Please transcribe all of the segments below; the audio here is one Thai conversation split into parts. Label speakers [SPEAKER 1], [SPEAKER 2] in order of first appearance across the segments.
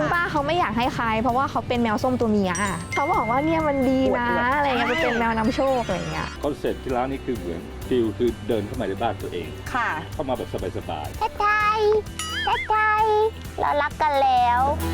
[SPEAKER 1] คุณป้าเขาไม่อยากให้ใครเพราะว่าเขาเป็นแมวส้มตัวเมียเขาบอกว่าเนี่ยมันดีนะอะไรเงี้ยเป็นแมวนำโชคอะไรเงี้ย
[SPEAKER 2] คอนเซ็ปต์ที่ร้านนี้คือเหมือนฟิลคือเดินเข้ามาในบ้านตัวเอง
[SPEAKER 3] ค่ะ
[SPEAKER 2] เข้ามาแบบสบาย
[SPEAKER 4] ทักทายทักทายเรารักกันแล้ว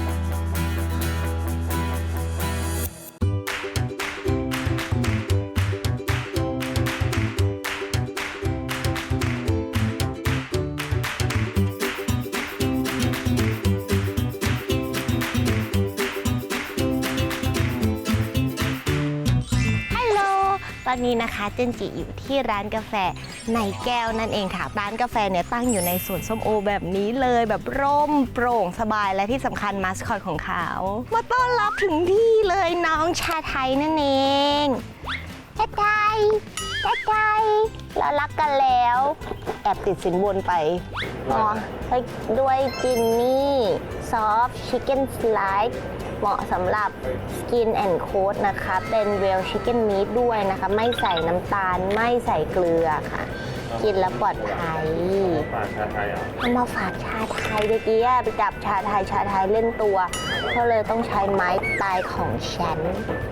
[SPEAKER 4] ฮัลโหล ตอนนี้นะคะเจนจิอยู่ที่ร้านกาแฟในแก้วนั่นเองค่ะ ร้านกาแฟเนี่ยตั้งอยู่ในสวนส้มโอแบบนี้เลยแบบร่มโปร่งสบายและที่สำคัญมาสคอตของเขามาต้อนรับถึงที่เลยน้องชาไทยนั่นเองชาไทยชาไทยเรารักกันแล้วแอบติดสินบนไปอ๋อด้วยจินนี่ซอฟต์ชิคเก้นสไลด์เหมาะสำหรับ Skin and Coat นะคะเป็น Real Chicken Meat ด้วยนะคะไม่ใส่น้ำตาลไม่ใส่เกลือค่ะ กินแล้วปลอดภัย
[SPEAKER 2] ๆฝากชาไทยอ่ะ
[SPEAKER 4] เอามาฝากชาไทยเมื่อกี้ไปจับชาไทยเล่นตัวก็เลยต้องใช้ไม้ตายของฉัน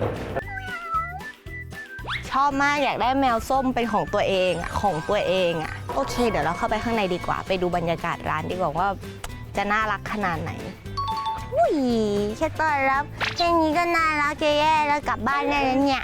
[SPEAKER 4] ชอบมากอยากได้แมวส้มเป็นของตัวเองอะโอเคเดี๋ยวเราเข้าไปข้างในดีกว่าไปดูบรรยากาศร้านดีกว่าว่าจะน่ารักขนาดไหนอุ้ยแค่ต้อนรับแค่นี้ก็น่ารักจะแย่แล้วกลับบ้านได้แล้วเนี่ย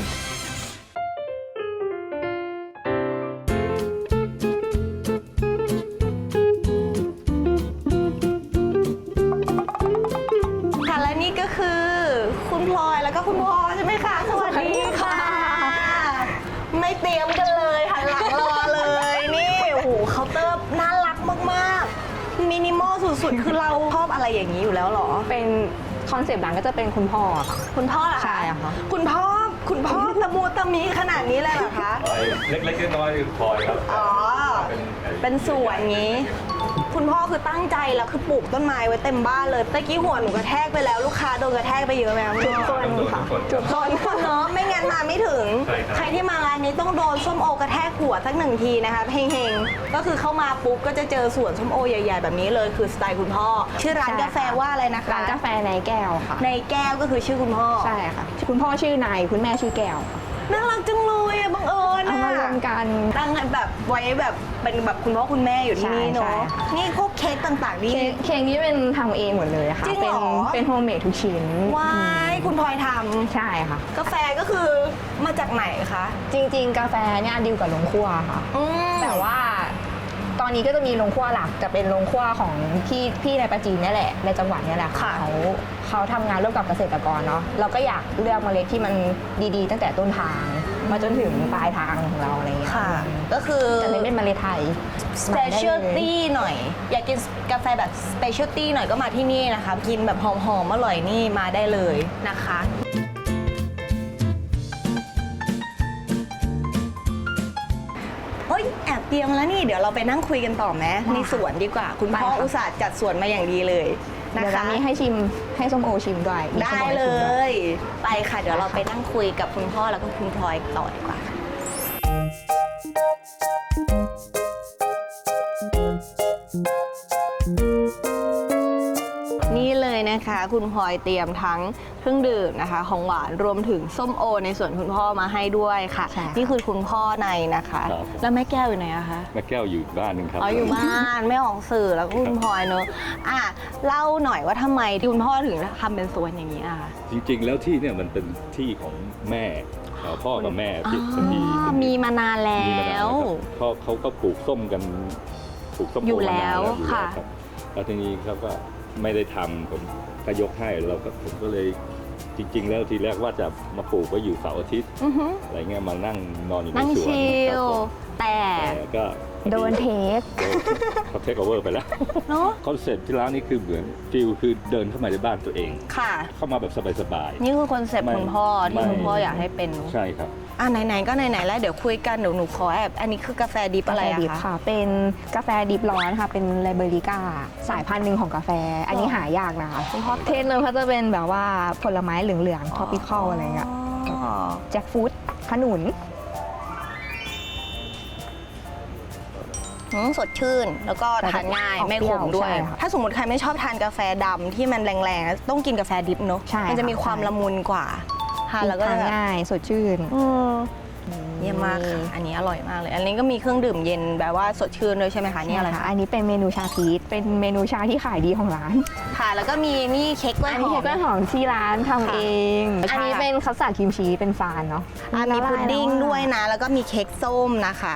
[SPEAKER 3] ค่ะและนี่ก็คือคุณพลอยแล้วก็คุณพ่อใช่ไหมคะสวัสดีค่ะ ไม่เตรียมกันเลยหันหลังรอเลยนี่โอ้โหเคาน์เตอร์น่ารักมากๆมินิมอลสุดๆคือเราชอบอะไรอย่างนี้อยู่แล้วเหรอ
[SPEAKER 1] เป็นคอนเซปต์ร้านก็จะเป็นคุณพ่อค่ะ
[SPEAKER 3] คุณพ่อเหรอคะ
[SPEAKER 1] ใช่ค่ะ
[SPEAKER 3] คุณพ่อตะมูตะมีขนาดนี้เลยเหรอคะ
[SPEAKER 2] เล็กๆน้อยๆคือพลอยครับ
[SPEAKER 3] อ๋อ เป็นสวนงี้ คุณพ่อคือตั้งใจแล้วคือปลูกต้นไม้ไว้เต็มบ้านเลยตะกี้หัวหนูกระแทกไปแล้วลูกค้าโดนกระแทกไปเยอะไหมคะ
[SPEAKER 1] จุดต้นค่ะ
[SPEAKER 3] จุดต้นเนาะไม่งั้นมาไม่ถึง ใครที่มาร้านนี้ต้องโดนส้มโอกระแทกหัวสักหนึ่งทีนะคะเฮงๆก็คือเข้ามาปุ๊บก็จะเจอสวนส้มโอใหญ่ๆแบบนี้เลยคือสไตล์คุณพ่อ ชื่อร้านกาแฟว่าอะไรนะคะ
[SPEAKER 1] ร้านกาแฟในแก้วค่ะ
[SPEAKER 3] ในแก้วก็คือชื่อคุณพ่อ
[SPEAKER 1] ใช่ค่ะคุณพ่อชื่อนายคุณแม่ชื่อแก้ว
[SPEAKER 3] น่ารักจังเลยอะบังเอิญ
[SPEAKER 1] เอามารวมกัน
[SPEAKER 3] ตั้งแบบไว้แบบเป็นแบบคุณพ่อคุณแม่อยู่ที่นี่
[SPEAKER 1] ใช่
[SPEAKER 3] เนาะ
[SPEAKER 1] ค่ะ
[SPEAKER 3] นี่พวกเค้กต่างๆนี่
[SPEAKER 1] เค้กนี้เป็นทำเองหมดเลยค่ะ
[SPEAKER 3] จริงเหรอ
[SPEAKER 1] เป็นโฮมเมดทุกชิ้น
[SPEAKER 3] ว้ายคุณพลอยท
[SPEAKER 1] ใช่ค่ะ
[SPEAKER 3] ำกาแฟก็คือมาจากไหนคะ
[SPEAKER 1] จริงๆ กาแฟเนี่ยดีลกับโรงคั่วค่ะ แต่ว่าตอนนี้ก็จะมีโรงคั่วหลักจะเป็นโรงคั่วของพี่ในปราจีนนี่แหละในจังหวัดนี่แหละค่ะเขาทำงานร่วมกับเกษตรกรเนาะเราก็อยากเลือกเมล็ดที่มันดีๆ ตั้งแต่ต้นทางมาจนถึงปลายทางของเราอะไรอย่างเงี้ย
[SPEAKER 3] ค่ะ ก็คือ
[SPEAKER 1] จะเป็นเมล็ดไทย
[SPEAKER 3] specialty หน่อย อยากกินกาแฟแบบ specialty หน่อยก็มาที่นี่นะคะ กินแบบหอมๆอร่อยนี่มาได้เลยนะคะ เฮ้ยแอบเตรียมแล้วนี่เดี๋ยวเราไปนั่งคุยกันต่อไหมในสวนดีกว่า คุณพ่อ
[SPEAKER 1] ไปค่ะ
[SPEAKER 3] อุตส่าห์จัดสวนมาอย่างดีเลยนะ
[SPEAKER 1] เดี๋ยว
[SPEAKER 3] คะ
[SPEAKER 1] ร้านนี้ให้ชิมให้ส้มโอชิมด้วยมี
[SPEAKER 3] ได้
[SPEAKER 1] ส้มโอ
[SPEAKER 3] เล
[SPEAKER 1] ชิมด้วย
[SPEAKER 3] ย ไปค่ะ เดี๋ยวเราไปนั่งคุยกับคุณพ่อแล้วก็คุณพลอยต่อดีกว่าค่ะนี่เลยนะคะคุณพลอยเตรียมทั้งเครื่องดื่มนะคะของหวานรวมถึงส้มโอในส่วนคุณพ่อมาให้ด้วยค่ะ
[SPEAKER 1] ใช่ค่ะ
[SPEAKER 3] นี่คือคุณพ่อในนะคะ
[SPEAKER 2] ครับ
[SPEAKER 3] แล้วแม่แก้วอยู่ไหนอะคะ
[SPEAKER 2] แม่แก้วอยู่บ้านหนึ่งครับ
[SPEAKER 3] อ๋ออยู่บ้านไม่ออกสื่อแล้วก็คุณพลอยเนอะอ่ะเล่าหน่อยว่าทำไมคุณพ่อถึงทำเป็นสวนอย่างนี้อะคะ
[SPEAKER 2] จริงๆ แล้วที่เนี่ยมันเป็นที่ของแม่พ่อกับแม่ที่เป็นที่
[SPEAKER 3] มีมานานแล้
[SPEAKER 2] มีมานาน
[SPEAKER 3] ว
[SPEAKER 2] ครับพ่อเขาก็ปลูกส้มกันปลูกส้มโ
[SPEAKER 3] อยู่แล้ว
[SPEAKER 2] มานาน
[SPEAKER 3] ค่ะ
[SPEAKER 2] รับแล้วทีนี้เขาก็ไม่ได้ทำผมก็ยกให้ผมก็เลยจริง ๆ แล้วทีแรกว่าจะมาปลูกไว้อยู่เสาร์อาทิตย์
[SPEAKER 3] อือฮึ
[SPEAKER 2] อะไรเงี้ยมานั่งนอนอยู่ใน
[SPEAKER 3] นั่ง
[SPEAKER 2] สวน
[SPEAKER 3] ชิ
[SPEAKER 2] ครับ
[SPEAKER 3] ล
[SPEAKER 2] ผม
[SPEAKER 3] แต่
[SPEAKER 2] แต่ก็
[SPEAKER 1] โดนเทค
[SPEAKER 2] เขาเทคโอเวอร์ไปแล้ว
[SPEAKER 3] เนาะ
[SPEAKER 2] คอนเซ็ปต์ที่ร้านนี้คือเหมือนฟิลคือเดินเข้ามาในบ้านตัวเอง
[SPEAKER 3] ค่ะ
[SPEAKER 2] เข้ามาแบบสบาย
[SPEAKER 3] นี่คือคอนเซ็ปต์
[SPEAKER 2] ไม่
[SPEAKER 3] คุณพ่อที่
[SPEAKER 2] ไม่
[SPEAKER 3] คุณพ่ออยากให้เป็น
[SPEAKER 2] ๆใช่ครับ
[SPEAKER 3] อ่ะไหนๆก็ไหนๆแล้วเดี๋ยวคุยกันเดี๋ยวหนูขอแอบอันนี้คือกาแฟดิบ
[SPEAKER 1] กา
[SPEAKER 3] อะไร
[SPEAKER 1] แฟ
[SPEAKER 3] อะ
[SPEAKER 1] ดิบ
[SPEAKER 3] คะ
[SPEAKER 1] ค่ะ เป็นกาแฟดิบร้อนค่ะ เป็นไลเบอริก้าสายพันธุ์หนึ่งของกาแฟ อันนี้หายากนะคะเทสเลยเขาจะเป็นแบบว่าผลไม้เหลืองๆ ท็อปิคอลอะไรเงี้ย
[SPEAKER 3] อ๋อ
[SPEAKER 1] แจ็คฟรุตขนุน
[SPEAKER 3] สดชื่นแล้วก็ทานง่ายไม่ขมด้วย
[SPEAKER 1] ใช่ค่ะ
[SPEAKER 3] ถ้าสมมติใครไม่ชอบทานกาแฟดำที่มันแรงๆต้องกินกาแฟดิบเนอะ
[SPEAKER 1] ใช่
[SPEAKER 3] มันจะมีความละมุนกว่าทานแล้วก็
[SPEAKER 1] ทาน
[SPEAKER 3] จะ
[SPEAKER 1] ง่ายสดชื่น
[SPEAKER 3] เยี่ยมมากค่ะอันนี้อร่อยมากเลย อันนี้ก็มีเครื่องดื่มเย็นแบบว่าสดชื่นด้วยใช่ไหมคะนี่อะไร
[SPEAKER 1] ใช่ค่ะ
[SPEAKER 3] คะ
[SPEAKER 1] อันนี้เป็นเมนูชาพีชเป็นเมนูชาที่ขายดีของร้าน
[SPEAKER 3] ค่ะแล้วก็มีนี่เค้กกล้วย
[SPEAKER 1] อัน
[SPEAKER 3] ห
[SPEAKER 1] นี้
[SPEAKER 3] อ
[SPEAKER 1] เค้ก
[SPEAKER 3] ม
[SPEAKER 1] กล้วยหอมที่ร้านทำ
[SPEAKER 3] ค่ะ
[SPEAKER 1] เอง อันนี้เป็นคัสตาร์ดครีมชีสเป็นฟานเนาะ
[SPEAKER 3] มีพุดดิ้งด้วยนะ แล้วก็มีเค้กส้มนะคะ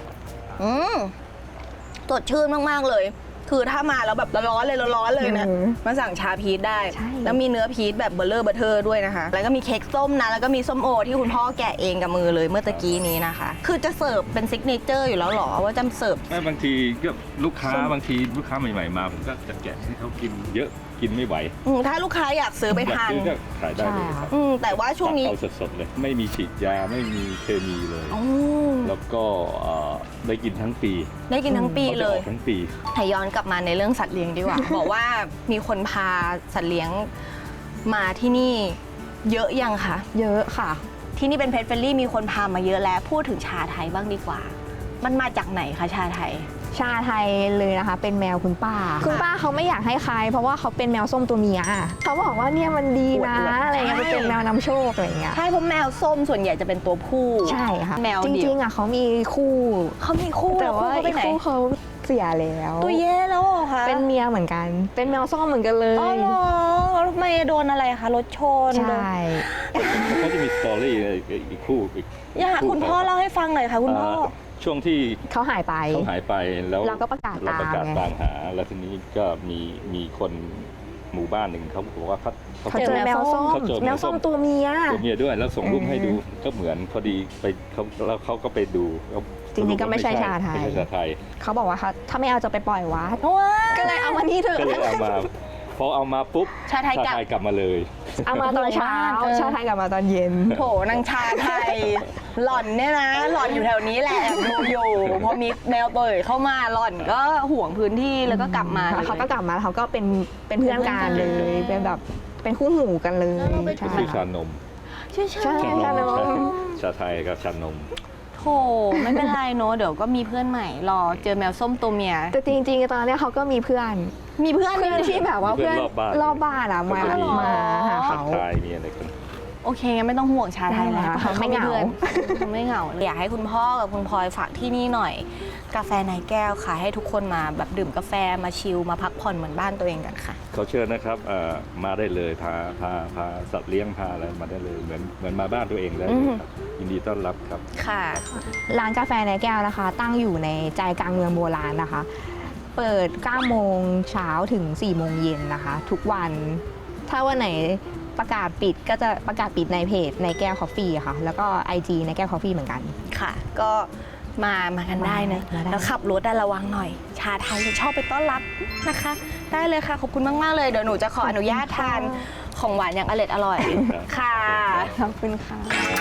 [SPEAKER 3] สดชื่นมากๆเลย คือถ้ามาแล้วแบบร้อนๆเลยนะมาสั่งชาพีชได้ แล้วมีเนื้อพีชแบบเบลเลอร์บัตเทอร์ด้วยนะคะ แล้วก็มีเค้กส้มนะ แล้วก็มีส้มโอที่คุณพ่อแกะเองกับมือเลยเมื่อตะกี้นี้นะคะ คือจะเสิร์ฟเป็นซิกเนเจอร์อยู่แล้วเหรอว่าจะเสิร์ฟ
[SPEAKER 2] บางทีก็ลูกค้าบางทีลูกค้าใหม่ๆมาผมก็จะแกะให้เขากินเยอะกินไม่ไหว
[SPEAKER 3] ถ้าลูกค้าอยากซื้อไปทาน
[SPEAKER 2] อยกซื้อก็ขายได้เลยครับ
[SPEAKER 3] แต่ว่าช่วงนี้
[SPEAKER 2] เอาสดๆเลยไม่มีฉีดยาไม่มีเคมีเลย
[SPEAKER 3] อ๋อ
[SPEAKER 2] แล้วก็ได้กินทั้งปี
[SPEAKER 3] ได้กินทั้งปี
[SPEAKER 2] ขาจะ
[SPEAKER 3] เล
[SPEAKER 2] อย อกทั้งปี
[SPEAKER 3] ให้ย้อนกลับมาในเรื่องสัตว์เลี้ยงดีกว่า บอกว่ามีคนพาสัตว์เลี้ยงมาที่นี่เยอะยังคะ
[SPEAKER 1] เยอะค่ะ
[SPEAKER 3] ที่นี่เป็นเพ t เฟรนลี่มีคนพามาเยอะแล้วพูดถึงชาไทยบ้างดีกว่า มันมาจากไหนคะชาไทย
[SPEAKER 1] ชาไทยเลยนะคะ เป็นแมวคุณป้า คุณป้าเขาไม่อยากให้ใคร เพราะว่าเขาเป็นแมวส้มตัวเมียเขาบอกว่าเนี่ยมันดีนะ
[SPEAKER 3] อวดๆ
[SPEAKER 1] อะไรเงี้ย
[SPEAKER 3] ใช่
[SPEAKER 1] มันเป็นแมวนำโชคอะไรเงี้ย
[SPEAKER 3] ใช่เพราะแมวส้มส่วนใหญ่จะเป็นตัวผู้
[SPEAKER 1] ใช่ค่ะ
[SPEAKER 3] แมว
[SPEAKER 1] จ
[SPEAKER 3] เดี่ยว
[SPEAKER 1] ริงๆอ่ะเขามีคู่
[SPEAKER 3] เขามีคู่
[SPEAKER 1] แต่ว่า
[SPEAKER 3] คู่เขไป
[SPEAKER 1] อีก
[SPEAKER 3] ไหน
[SPEAKER 1] คู่เขาเสียแล้ว
[SPEAKER 3] ตัวเย่แล้วเหรอคะ
[SPEAKER 1] เป็นเมียเหมือนกัน เป็นแมวส้มเหมือนกันเล
[SPEAKER 3] อ๋อย เหรอแล้วทำไมโดนอะไรคะรถชน
[SPEAKER 1] ใช่
[SPEAKER 2] เขาจะมีสตอรี่อีกคู่อีก
[SPEAKER 3] อยากคุณพ่อเล่าให้ฟังหน่อยค่ะคุณพ่อ
[SPEAKER 2] ช่วงที่
[SPEAKER 1] เขาหายไป
[SPEAKER 2] เขาหายไปแล้ว
[SPEAKER 1] เราก็ประกาศ
[SPEAKER 2] เราประกาศ
[SPEAKER 1] ตามไง
[SPEAKER 2] ตามหา แล้วทีนี้ก็มีคนหมู่บ้านหนึ่งเขาบอกว่าเขา
[SPEAKER 1] เขาเจอแมวส้ม
[SPEAKER 2] เขาเจอ
[SPEAKER 1] แมวส้มตัวเมีย
[SPEAKER 2] ตัวเมียด้วยแล้วส่งรูปให้ดูก็เหมือนพอดีไปเขาแล้วเขาก็ไปดูแล้ว
[SPEAKER 1] จริงๆก็ไม่ใช่ชาไทย
[SPEAKER 2] ไม่ใช่ชาไทย
[SPEAKER 1] เขาบอกว่าถ้าไม่เอาจะไปปล่อยวัด
[SPEAKER 3] ว้า
[SPEAKER 1] ก็เลยเอามานี่เถอะ
[SPEAKER 2] ก็เลยเอามาพอเอามาปุ๊บ
[SPEAKER 3] ชาไทยกลับ
[SPEAKER 2] มาเลย
[SPEAKER 1] เอามาตอนเช้า ชาไทยกลับมาตอนเย็น
[SPEAKER 3] โถนางชาไทย หล่อนเนี่ยนะ หล่อนอยู่แถวนี้แหละแอบดูอยู่พอมีแมวตัวอื่นเข้ามาหล่อนก็ห่วงพื้นที่แล้วก็กลับมา
[SPEAKER 1] แล้วเขาก็กลับมาแล้วเขาก็เป็นเพื่อนกันเลย เป็นแบบเป็นคู่หูกันเลยใช่
[SPEAKER 2] ชื่อชานม
[SPEAKER 3] ชื่อ
[SPEAKER 1] ใช่ ชานม
[SPEAKER 2] ชาไทยกับชานม
[SPEAKER 3] โถไม่เป็นไรเนอะเดี๋ยวก็มีเพื่อนใหม่รอเจอแมวส้มตัวเมีย
[SPEAKER 1] แต่จริงๆตอนนี้เขาก็มีเพื่อน
[SPEAKER 3] มีเพื่อน
[SPEAKER 1] เพื่อนที่แบบว่า
[SPEAKER 2] เพื่
[SPEAKER 1] เพื่
[SPEAKER 2] อ
[SPEAKER 1] อน น
[SPEAKER 2] รอบบ้าน
[SPEAKER 1] อะมา
[SPEAKER 2] ก็จะมี
[SPEAKER 1] มาหาเขา
[SPEAKER 2] ชายมีอะไรกัน
[SPEAKER 3] โอเคงั้นไม่ต้องห่วงชาไทยแล้ว
[SPEAKER 1] เขาไม่เหงา
[SPEAKER 3] เขาไม่เหงาอยากให้คุณพ่อกับคุณพลอยฝากที่นี่หน่อย กาแฟในแก้วค่ะให้ทุกคนมาแบบดื่มกาแฟมาชิลมาพักผ่อนเหมือนบ้านตัวเองกันค่ะ
[SPEAKER 2] เขาเชิญนะครับมาได้เลยพาสัตว์เลี้ยงพาอะไรมาได้เลยเหมือนมาบ้านตัวเองได้เลยครับยินดีต้อนรับครับ
[SPEAKER 3] ค่ะ
[SPEAKER 1] ร้านกาแฟในแก้วนะคะ ตั้งอยู่ในใจกลางเมืองโบราณนะคะ เปิด 9 โมงเช้าถึง 4 โมงเย็นนะคะ ทุกวัน ถ้าวันไหนประกาศปิดก็จะประกาศปิดในเพจในแก้วคอฟฟี่ค่ะ แล้วก็ IG ในแก้วคอฟฟี่เหมือนกัน
[SPEAKER 3] ค่ะ ก็มากันได้นะ
[SPEAKER 1] มาได้
[SPEAKER 3] แล้วขับรถระวังหน่อย ชาไทยจะชอบไปต้อนรับนะคะ ได้เลยค่ะ ขอบคุณมาก ๆ เลย เดี๋ยวหนูจะขออนุญาตทานของหวานอย่างอร่อยค่ะ
[SPEAKER 1] ขอบคุณค่ะ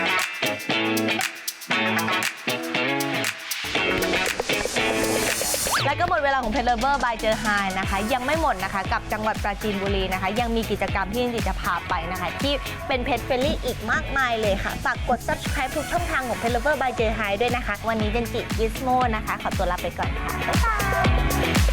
[SPEAKER 3] แล้วก็หมดเวลาของเพจเลเวอร์บายเจอไฮนะคะ ยังไม่หมดนะคะ กับจังหวัดปราจีนบุรีนะคะ ยังมีกิจกรรมที่จิจะพาไปนะคะ ที่เป็นเพจเฟรนลี่อีกมากมายเลยค่ะ ฝากกด subscribe ทุกช่องทางของเพจเลเวอร์บายเจอไฮด้วยนะคะ วันนี้เจนจิกิสโมนะคะ ขอตัวลาไปก่อนค่ะ บ๊ายบาย